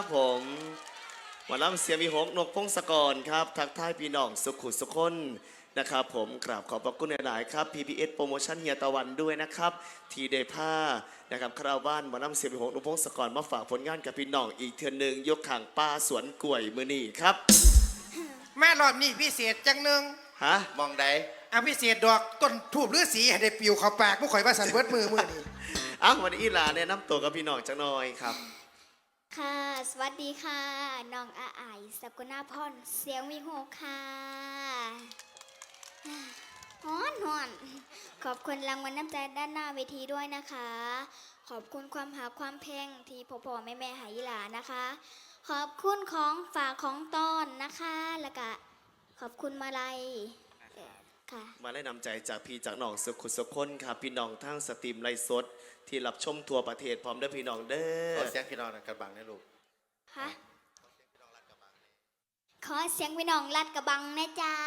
ผมหมอลำเสียงวิหกนกพงศกรครับทักทายพี่น้องสุขุสุขคนนะครับผมกราบขอบพระคุณหลายๆครับ PPS โปรโมชั่นเฮียตะวันด้วยนะครับทีเดผ้านะครับคาราวานหมอลำเสียงวิหกนกพงศกรมาฝากผลงานกับพี่น้องอีกเทือนหนึ่งยกข่างป้าสวนกล้วยมือนี่ครับแม่รอบนี้พิเศษจังหนึ่งฮะมองใดพิเศษดอกต้นทูบฤาษีให้ได้ปิวเข้าปากมุข่อยว่าสันเบิดมือนี่วันนี้อีหลาแนะนำตัวกับพี่น้องจังหน่อยครับค่ะสวัสดีค่ะน้องอาไอสกุณาพรเสียงวิโหกค่ะฮ้อนขอบคุณรางวัลน้ำใจด้านหน้าเวทีด้วยนะคะขอบคุณความหาความเพลงที่พ่อแม่หายหลานะคะขอบคุณของฝากของต้อนนะคะแล้วก็ขอบคุณมาลัยค่ะมาได้นำใจจากพี่จากน้องสุขุสุขคนครับพี่น้องทั้งสตรีมไลฟ์สดที่รับชมทั่วประเทศพร้อมด้วยพี่น้องเด้อขอเสียงพี่น้องกระบังนะลูกฮะขอเสียงพี่น้องลัดกระบังนะจ๊ะ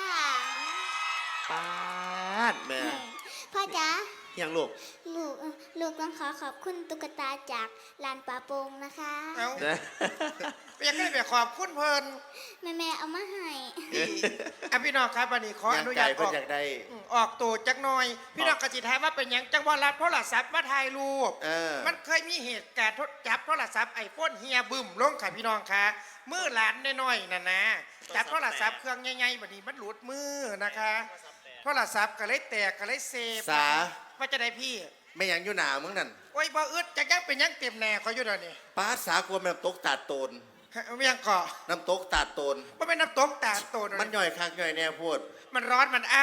ป้าดแม่พ่อจ๊ะยังลูกต้องขอบคุณตุ๊กตาจากลานป่าโป่งนะคะเอาอยากได้แบบขอบคุณเพิ่นแม่เอามาให้พี่น้องครับวันนี้ขออนุญาตออกตัวจักหน่อยพี่น้องกระจิทายว่าเป็นยังจังหวะรับโทรศัพท์มาถ่ายรูปมันเคยมีเหตุการณ์จับโทรศัพท์ไอโฟนเฮียบึ้มลงค่ะพี่น้องค่ะมือหลานน้อยๆน่ะนะจับโทรศัพท์เครื่องใหญ่ๆแบบนี้มันหลุดมือนะคะโทรศัพท์ก็เลยแตกก็เลยเซฟสาว่าจะได้พี่ไม่ยังอยู่หนามึงนั่นโอ้ยบ่อึดจะยังเป็นยังเต็มแน่เขาอยู่เดี๋ยวนี้ป้าสากลัวมันน้ำตกตาดโตนไม่ยังเกาะน้ำตกตาดโตนมันเป็นน้ำตกตาดโตนมันย่อยคักย่อยแน่พูดมันร้อนมันเอ้า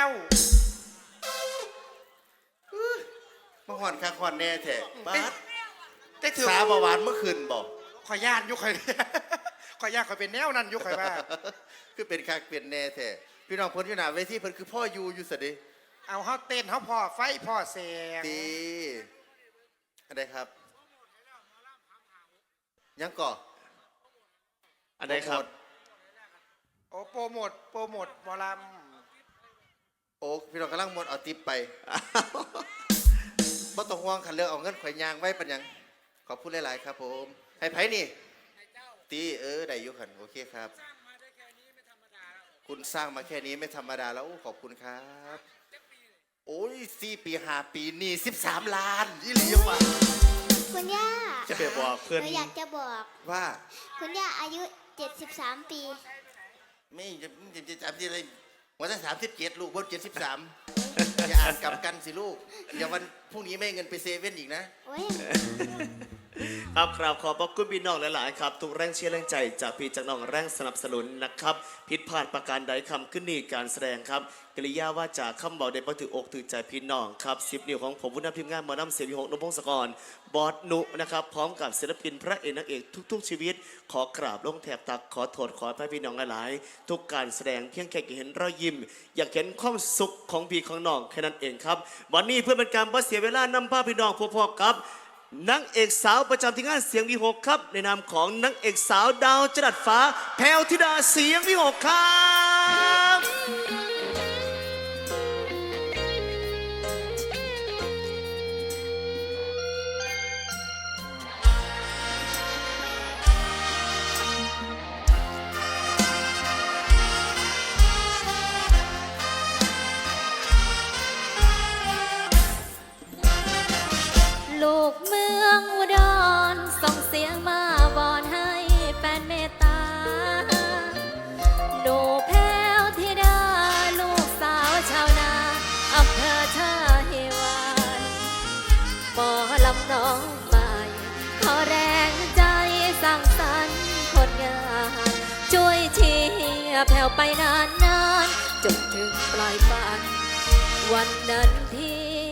มาห่อนคักห่อนแน่แท้ป้าถือสาบหวานเมื่อคืนบอกขอย่านยุคขอย่านขอเป็นแนวนั้นยุคใครว่าคือเป็นคักเป็นแน่แท้พี่น้องพ้นอยู่หนาเวทีเพิ่นคือพ่ออยู่สดิเอาเขาเต้นเขาพ่อไฟพ่อเสียงดีอะไรครับยังก่ออะไรครับโอ้โปรโมทหมอลำโอ้พี่น้องกำลังหมดเอาติ๊บไปบ่ต้องห่วงขันเลือกเอาเงินข่อยยางไว้ปัญญังขอบคุณหลายๆครับผมให้ไผ่นี่ตีได้ยุขันโอเคครับคุณสร้างมาแค่นี้ไม่ธรรมดาแล้วขอบคุณครับโอ้ย4 ปี 5 ปีนี่13 ล้านยี่หลีว่ะคุณย่าจะไปบอกเพื่อนอยากจะบอกว่าคุณย่าอายุ73 ปีไม่จะจำที่อะไรวันที่37ลูกบน73อย่าอ่านกลับกันสิลูกอย่าวันพรุ่งนี้ไม่เงินไปเซเว่นอีกนะครับขอบพระคุณพี่น้องหลายๆครับทุกแรงเชียร์แรงใจจากพี่จากน้องแรงสนับสนุนนะครับผิดพลาดประการใดคำขึ้นนี่การแสดงครับกริยาว่าจากคำบอกได้บ่ถืออกถือใจพี่น้องครับ10 นิ้วของผมผู้นำทีมงานหมอนำเสียงวิหกนพพงศกรบอสนุนะครับพร้อมกับศิลปินพระเอกนางเอกทุกๆชีวิตขอกราบลงแถบตักขอโทษขอให้พี่น้องหลายๆทุกการแสดงเพียงแค่เห็นรอยยิ้มอยากเห็นความสุขของพี่ของน้องแค่นั้นเองครับวันนี้เพื่อเป็นการบ่เสียเวลานำพาพี่น้องพวกครับนางเอกสาวประจำที่งานเสียงวิหกครับในนามของนางเอกสาวดาวจรัสฟ้าแพรวธิดาเสียงวิหกครับลูกเมืองอุดรส่งเสียงมาวอนให้แฟนเมตตาดูแพ้วธิดาลูกสาวชาวนาอำเภอท่าหิวานปอลำน้องใหม่ขอแรงใจสร้างสรรค์คนงานช่วยเชียร์แผ่วไปนานๆจนถึงปลายฝันวันนั้นที่